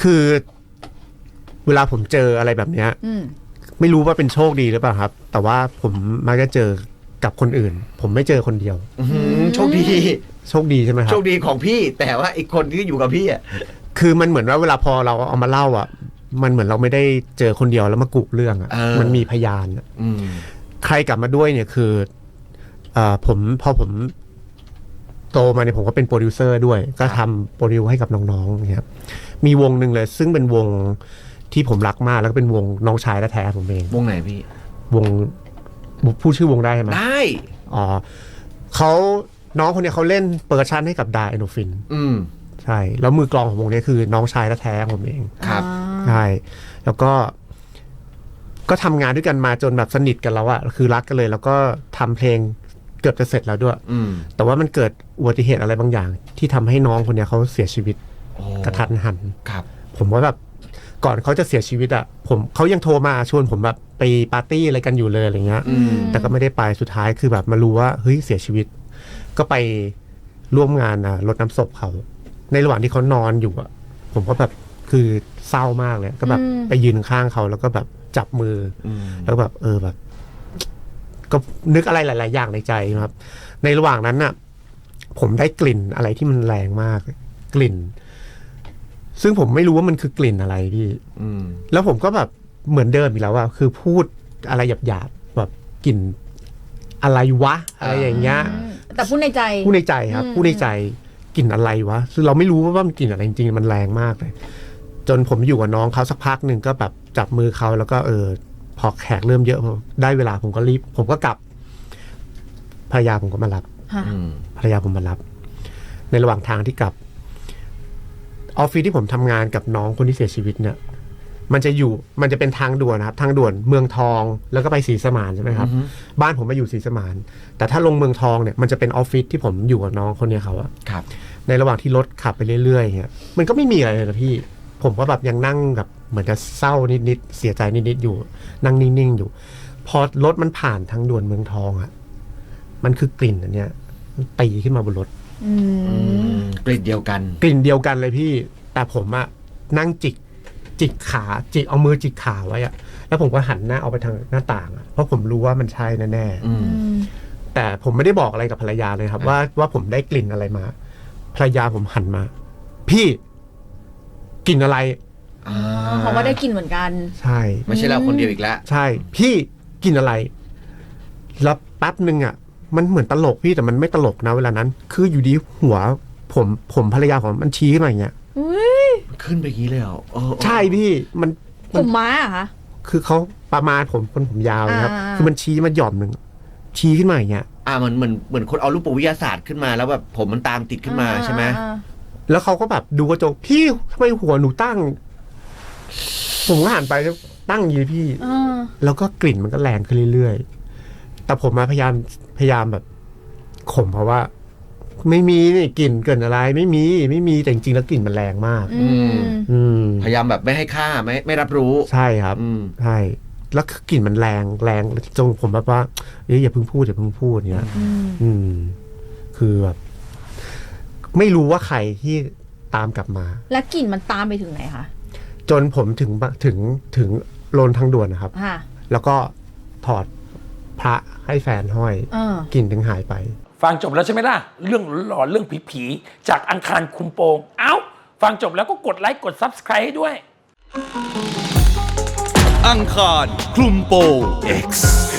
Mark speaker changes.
Speaker 1: คือเวลาผมเจออะไรแบบเนี้ยไม่รู้ว่าเป็นโชคดีหรือเปล่าครับแต่ว่าผมมักจะเจอกับคนอื่นผมไม่เจอคนเดียว
Speaker 2: โชคดี
Speaker 1: ใช่ไหมครับ
Speaker 2: โชคดีของพี่แต่ว่าอีกคนที่อยู่กับพี่อ่ะ
Speaker 1: คือมันเหมือนว่าเวลาพอเราเอามาเล่าอ่ะมันเหมือนเราไม่ได้เจอคนเดียวแล้วมากุเรื่องอ่ะมันมีพยานใครกลับมาด้วยเนี่ยคือพอผมโตมาเนี่ยผมก็เป็นโปรดิวเซอร์ด้วยก็ทำโปรดิวให้กับน้องๆครับมีวงหนึ่งเลยซึ่งเป็นวงที่ผมรักมากแล้วก็เป็นวงน้องชายแท้ๆผมเอง
Speaker 2: วงไหนพี่
Speaker 1: วงพูดชื่อวงได้ไหม
Speaker 2: ได้
Speaker 1: เขาน้องคนนี้เขาเล่นเปอร์ชันให้กับดาเอโนฟินใช่แล้วมือกลองของวงนี้คือน้องชายแท้ๆผมเอง
Speaker 2: ครับ
Speaker 1: ใช่แล้วก็ทำงานด้วยกันมาจนแบบสนิทกันแล้วอะคือรักกันเลยแล้วก็ทำเพลงเกือบจะเสร็จแล้วด้วยแต่ว่ามันเกิดอุบัติเหตุอะไรบางอย่างที่ทำให้น้องคนนี้เขาเสียชีวิตกระทันหัน
Speaker 2: ครับ
Speaker 1: ผมว่าแบบก่อนเขาจะเสียชีวิตอะเขายังโทรมาชวนผมแบบไปปาร์ตี้อะไรกันอยู่เลยอะไรเงี้ยแต่ก็ไม่ได้ไปสุดท้ายคือแบบมารู้ว่าเฮ้ยเสียชีวิตก็ไปร่วมงานรดน้ำศพเขาในระหว่างที่เขานอนอยู่อะผมก็แบบคือเศร้ามากเลยก็แบบไปยืนข้างเขาแล้วก็แบบจับมือแล้วแบบแบบก็นึกอะไรหลายๆอย่างในใจครับในระหว่างนั้นน่ะผมได้กลิ่นอะไรที่มันแรงมากกลิ่นซึ่งผมไม่รู้ว่ามันคือกลิ่นอะไรพี่แล้วผมก็แบบเหมือนเดิมอีกแล้วว่าคือพูดอะไรหยาบๆแบบกลิ่นอะไรวะอะไรอย่างเงี้ย
Speaker 3: แต่พูดในใจ
Speaker 1: ครับพูดในใจกลิ่นอะไรวะซึ่งเราไม่รู้ว่ามันกลิ่นอะไรจริงๆมันแรงมากเลยจนผมอยู่กับน้องเขาสักพักหนึ่งก็แบบจับมือเขาแล้วก็พอแขกเริ่มเยอะได้เวลาผมก็รีบผมก็กลับภรรยาผมก็มารับภรรยาผมมารับในระหว่างทางที่กลับออฟฟิศที่ผมทำงานกับน้องคนที่เสียชีวิตเนี่ยมันจะเป็นทางด่วนนะครับทางด่วนเมืองทองแล้วก็ไปศรีสมานใช่ไหมครับบ้านผมมาอยู่ศรีสมานแต่ถ้าลงเมืองทองเนี่ยมันจะเป็นออฟฟิศที่ผมอยู่กับน้องคนนี้เขาอะในระหว่างที่รถขับไปเรื่อยๆเนี่ยมันก็ไม่มีอะไรเลยนะพี่ผมก็แบบยังนั่งแบบเหมือนจะเศร้านิดๆเสียใจนิดๆอยู่นั่งนิ่งๆอยู่พอรถมันผ่านทางด่วนเมืองทองอะมันคือกลิ่นอันเนี้ยตีขึ้นมาบนรถ
Speaker 2: กลิ่นเดียวกัน
Speaker 1: เลยพี่แต่ผมอะนั่งจิกขาเอามือจิกขาไว้อะแล้วผมก็หันหน้าเอาไปทางหน้าต่างอะเพราะผมรู้ว่ามันใช่แน่ๆแต่ผมไม่ได้บอกอะไรกับภรรยาเลยครับว่าผมได้กลิ่นอะไรมาภรรยาผมหันมาพี่กลิ่นอะไร
Speaker 3: เขาก็ได้กลิ่นเหมือนกัน
Speaker 1: ใช่
Speaker 2: ไม่ใช่เราคนเดียวอีกแล้ว
Speaker 1: ใช่พี่กลิ่นอะไรแล้วแป๊บนึงอะมันเหมือนตลกพี่แต่มันไม่ตลกนะเวลานั้นคืออยู่ดีหัวผมภรรยาผมมันชี้ขึ้นมาอย่างเงี้ย
Speaker 2: ขึ้นไปงี้เลยเหรอ
Speaker 1: ใช่พี่
Speaker 3: ผมม้าอะคะ
Speaker 1: คือเขาประมาณผมยาวนะครับคือมันชี้มันหย่อมหนึ่งชี้ขึ้นมาอย่างเงี้ย
Speaker 2: เหมือนคนเอารูปวิทยาศาสตร์ขึ้นมาแล้วแบบผมมันตามติดขึ้นมาใช่ไหม
Speaker 1: แล้วเขาก็แบบดูกระจกพี่ทำไมหัวหนูตั้งผมก็หันไปตั้งอยู่พี่แล้วก็กลิ่นมันก็แรงขึ้นเรื่อยๆแต่ผมพยายามแบบข่มเพราะว่าไม่มีนี่กลิ่นเกินอะไรไม่มีแต่จริงๆแล้วกลิ่นมันแรงมาก
Speaker 2: พยายามแบบไม่ให้ค่าไม่รับรู้
Speaker 1: ใช่ครับใช่แล้วกลิ่นมันแรงจนผมแบบว่าอย่าเพิ่งพูดเนี้ยคือแบบไม่รู้ว่าใครที่ตามกลับมา
Speaker 3: แล้วกลิ่นมันตามไปถึงไหนคะ
Speaker 1: จนผมถึงโลนทางด่วนนะครับแล้วก็ถอดพระให้แฟนห้อยกลิ่นถึงหายไป
Speaker 4: ฟังจบแล้วใช่ไหมล่ะเรื่องหลอนเรื่องผีๆจากอังคารคุมโปงฟังจบแล้วก็กดไลค์กด Subscribe ให้ด้วย
Speaker 5: อังคารคลุมโปง X